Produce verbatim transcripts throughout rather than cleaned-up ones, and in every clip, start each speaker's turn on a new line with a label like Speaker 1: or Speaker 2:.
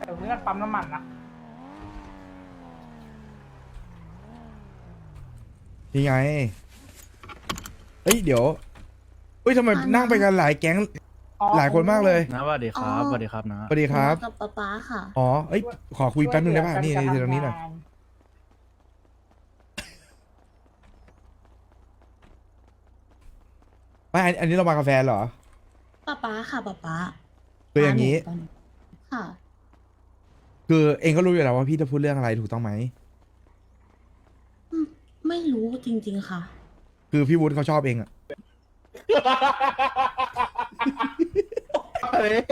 Speaker 1: ดี๋ยวเพื่อนปั๊มน้ำมันนะ
Speaker 2: นี่ไงเอ้ยเดี๋ยวเฮ้ยทำไมนั่งไปกันหลายแก๊ง
Speaker 1: อ๋อ
Speaker 2: หลายคนมากเลย
Speaker 3: นะสวัสดีครับสวัสดีครับนะ
Speaker 2: สวัสดีครับ
Speaker 4: กับป๊าป๊าค่ะ
Speaker 2: อ๋อเอ้ยขอคุยแป๊บนึงได้ป่ะนี่นี่ตรงนี้หน่อยไม่อันอันนี้เรามากาแฟเหรอ
Speaker 4: ป๊าป๊าค่ะป๊าป๊า
Speaker 2: คืออย่างนี้
Speaker 4: นี้ค่ะ
Speaker 2: คือเองก็รู้อยู่แล้วว่าพี่จะพูดเรื่องอะไรถูกต้องไหม
Speaker 4: อืมไม่รู้จริงๆค่ะ
Speaker 2: คือพี่วุฒิเขาชอบเองอะ
Speaker 5: เฮ้ย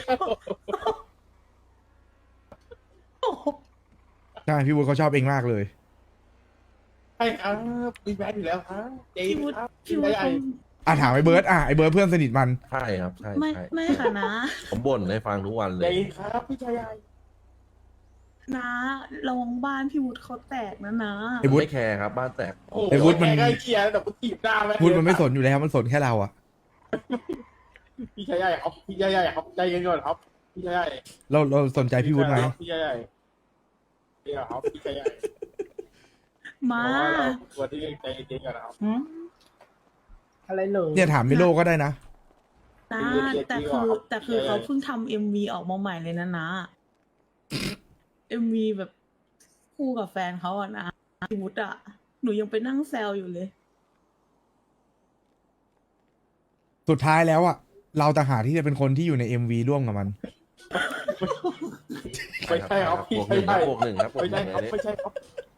Speaker 2: ใช่พี่วุฒิเขาชอบเองมากเลย
Speaker 5: ใช่ครับมีแบทอยู่แล้วครับเจ๊
Speaker 4: พี่วุฒิ
Speaker 5: ครับ
Speaker 4: พี่วุฒิ
Speaker 5: ใหญ่
Speaker 4: คง
Speaker 2: อ่ะถามไอ้เบิร์ดอ่ะไอ้เบิร์ดเพื่อนสนิทมัน
Speaker 6: ใช่ครับใช่
Speaker 4: ไม่
Speaker 6: ใช่
Speaker 4: ไม่ค่ะนะ
Speaker 6: ผมบ่นให้ฟังทุกวันเล
Speaker 5: ใหญ่
Speaker 6: ย
Speaker 5: ครับพี่ชายใหญ่
Speaker 4: นะระวังบ้านพี่วุฒิเขาแตกนะนะ
Speaker 2: ไอ้วุฒิ
Speaker 6: ไม่แคร์ครับบ้านแตก
Speaker 5: โอ้โห
Speaker 2: ไอ้วุฒิมัน
Speaker 5: แกใกล้เคียงแต่กูถีบหน้า
Speaker 2: วุฒิมันไม่สนอยู่แล้วมันสนแค่เราอะ
Speaker 5: พี่ชายใหญ่ครับพี่ชายใหญ่ครับใจเย็นก่อนครับพี่ชายใหญ่
Speaker 2: เราเราสนใจพี่วุฒิไหม
Speaker 5: พี่ชายใหญ่เดี๋ยวครับพี่ชายใหญ่
Speaker 4: มา
Speaker 5: ตัวที่ใจเย็นก่อนนะครับ
Speaker 1: หืมอะไรเลย
Speaker 2: เนี่ยถามมิโลก็ได้นะ
Speaker 4: นะแต่คือแต่คือเขาเพิ่งทำเอ็มวีออกมาใหม่เลยนะนะเอ็มวีแบบคู่กับแฟนเขาอะนะพี่วุฒิอะหนูยังไปนั่งแซวอยู่เลย
Speaker 2: สุดท้ายแล้วอะเราต่างหากที่จะเป็นคนที่อยู่ใน เอ็ม วี ร่วมกับมัน
Speaker 5: ไม่ใช่ครับพี่
Speaker 6: พวกห
Speaker 5: ชาย
Speaker 6: นึ่ง
Speaker 5: ใหญ่
Speaker 6: พวกหนึ่งครับพวก
Speaker 5: ไม่
Speaker 6: ห
Speaker 5: ใช่
Speaker 6: นึ่ง
Speaker 5: ครับ
Speaker 6: เลย
Speaker 5: ไม่ใช่ครับ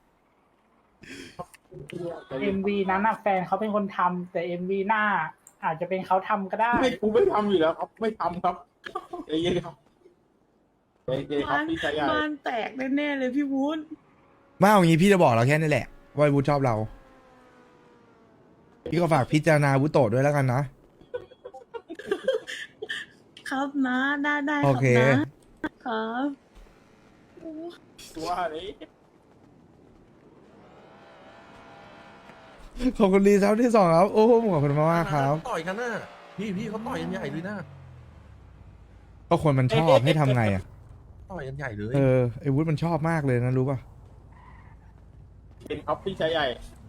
Speaker 1: เอ็มวีนั้นน่ะแฟนเขาเป็นคนทำแต่เอ็มวีหน้า อาจจะเป็นเขาทำก็ได้
Speaker 5: ไม่กูไม่ทำอยู่แล้วครับ ไม่ทำครับใจเย็นครับใจเย็นครับ
Speaker 4: บ้าน
Speaker 5: พี่ชายใหญ่
Speaker 4: บ้านแตกแน่ๆเลยพี่วุฒิ
Speaker 2: มาเอางี้พี่จะบอกเราแค่นี้แหละว่าวุฒิชอบเรา พี่ก็ฝากพิจารณาวุฒิโตะด้วยแล้วกันนะ
Speaker 4: ครับนะได้ได้ค
Speaker 2: โอ
Speaker 4: รับ
Speaker 2: เค
Speaker 4: นะครับ
Speaker 5: ตัวนี้
Speaker 2: ขอบคุณรีซับที่สองครับ โอ้โหขอบคุณมากมากๆครับ
Speaker 6: ต่อยกันน่ะพี่พี่เขาต่อยกันใหญ่เลยนะ
Speaker 2: ก็คนมันชอบให้ทำไงอ่ะ
Speaker 6: ต่อยกันใหญ่เลย
Speaker 2: เออไอ้วุฒิมันชอบมากเลยนะรู้ป่ะ
Speaker 5: เป็นครับพี่ชายใหญ่